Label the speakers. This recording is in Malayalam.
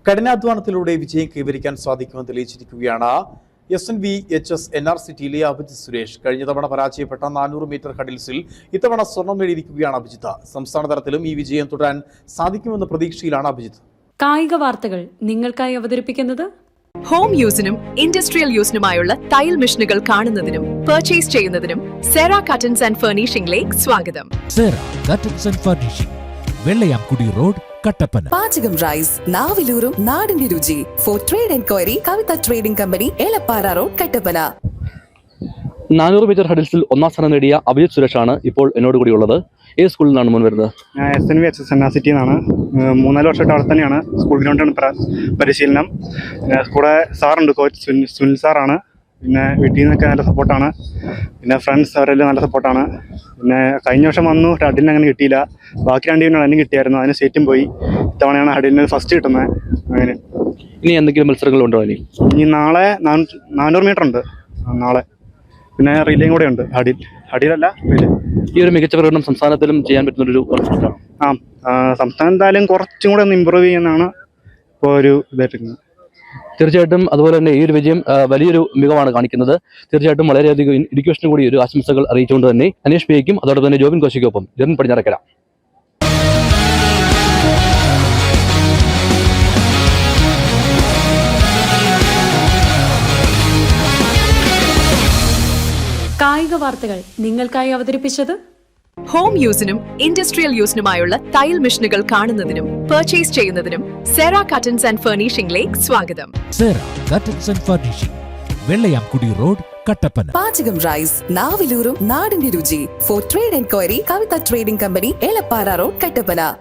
Speaker 1: കഠിനാധ്വാനത്തിലൂടെ വിജയം കൈവരിക്കാൻ സാധിക്കുമെന്ന് തെളിയിച്ചിരിക്കുകയാണ് SNVHS NRCTയിലെ അഭിജിത്ത് സുരേഷ്. കഴിഞ്ഞ തവണ പരാജയപ്പെട്ട 400 മീറ്റർ ഹഡിൽസിൽ ഇത്തവണ സ്വർണം നേടിയിരിക്കുകയാണ് അഭിജിത്ത്. സംസ്ഥാന തലത്തിലും ഈ വിജയം തുടരാൻ സാധിക്കുമെന്ന പ്രതീക്ഷയിലാണ് അഭിജിത്ത്.
Speaker 2: കായിക വാർത്തകൾ നിങ്ങൾക്കായി അവതരിപ്പിക്കുന്നത്
Speaker 3: ഹോം യൂസിനും ഇൻഡസ്ട്രിയൽ യൂസിനുമായുള്ള തയ്യൽ മെഷീനുകൾ കാണുന്നതിനും പർച്ചേസ് ചെയ്യുന്നതിനും സെറ കട്ടൻസ് ആൻഡ് ഫർണിഷിംഗിലേക്ക് സ്വാഗതം.
Speaker 4: Sera curtains and furnishing, Vellayamkudi road, Kattappana.
Speaker 5: പാചകം റൈസ്, നാവിലൂറും നാടിന്റെ രുചി. For trade enquiry, Kavitha trading company, Elappara road, Kattappana.
Speaker 6: 400 metre ഹഡിൽസിൽ ഒന്നാം സ്ഥാനം നേടിയ അഭിജിത്ത് സുരേഷാണ് ഇപ്പോൾ എന്നോട് കൂടി ഉള്ളത്. ഏത് സ്കൂളിൽ നിന്നാണ് മുൻ വരുന്നത്?
Speaker 7: ഞാൻ SNVHS NRCT എന്നാണ്. 3-4 വർഷമായിട്ട് അവിടെ തന്നെയാണ്. സ്കൂൾ ഗ്രൗണ്ടാണ് പരിശീലനം. പിന്നെ കൂടെ സാറുണ്ട്, കോച്ച് സുനിൽ സാറാണ്. പിന്നെ വീട്ടിൽ നിന്നൊക്കെ നല്ല സപ്പോർട്ടാണ്. പിന്നെ ഫ്രണ്ട്സ് അവരെല്ലാം നല്ല സപ്പോർട്ടാണ്. പിന്നെ കഴിഞ്ഞ വർഷം വന്നു, ഹഡിലിന് അങ്ങനെ കിട്ടിയില്ല. ബാക്കി 2 ടീമിനാണ് അതിന് കിട്ടിയായിരുന്നു. അതിന് സ്റ്റേറ്റും പോയി. ഇത്തവണയാണ് ഹഡിലിന് ഫസ്റ്റ് കിട്ടുന്നത്. അങ്ങനെ
Speaker 6: ഇനി എന്തെങ്കിലും മത്സരങ്ങളുണ്ടോ?
Speaker 7: ഇനി നാളെ 400 മീറ്റർ ഉണ്ട് നാളെ. പിന്നെ റിലേയും കൂടെ ഉണ്ട്. ഹഡിലല്ല റിലേ.
Speaker 6: ഈ ഒരു മികച്ച പ്രകടനം സംസ്ഥാനത്തിലും ചെയ്യാൻ പറ്റുന്നൊരു വർഷമാണ്.
Speaker 7: സംസ്ഥാനം എന്തായാലും കുറച്ചും കൂടെ ഒന്ന് ഇമ്പ്രൂവ് ചെയ്യുന്നതാണ് ഇപ്പോൾ ഒരു ഇതായിട്ടിരിക്കുന്നത്.
Speaker 6: തീർച്ചയായിട്ടും അതുപോലെ തന്നെ ഈ ഒരു വിജയം വലിയൊരു മികവാണ് കാണിക്കുന്നത്. തീർച്ചയായിട്ടും വളരെയധികം എഡ്യൂക്കേഷനും കൂടി ഒരു ആശംസകൾ അറിയിച്ചുകൊണ്ട് തന്നെ അനീഷ് പിക്കും അതോടൊപ്പം തന്നെ ജോബിൻ കോശിക്കൊപ്പം ജെറിൻ പടിഞ്ഞാറക്കര.
Speaker 2: കായിക വാർത്തകൾ നിങ്ങൾക്കായി അവതരിപ്പിച്ചത്
Speaker 3: ഹോം യൂസിനും ഇൻഡസ്ട്രിയൽ യൂസിനുമായുള്ള തയ്യൽ മെഷീനുകൾ കാണുന്നതിനും പർച്ചേസ് ചെയ്യുന്നതിനും സെറ കട്ടൻസ് ആൻഡ് ഫർണിഷിംഗിലേക്ക് സ്വാഗതം.
Speaker 4: Sera curtains and furnishing, Vellayamkudi road, Kattappana.
Speaker 5: പാചകം റൈസ്, നാവിലൂറും നാടിന്റെ രുചി. For trade enquiry, Kavitha trading company, Elappara road, Kattappana.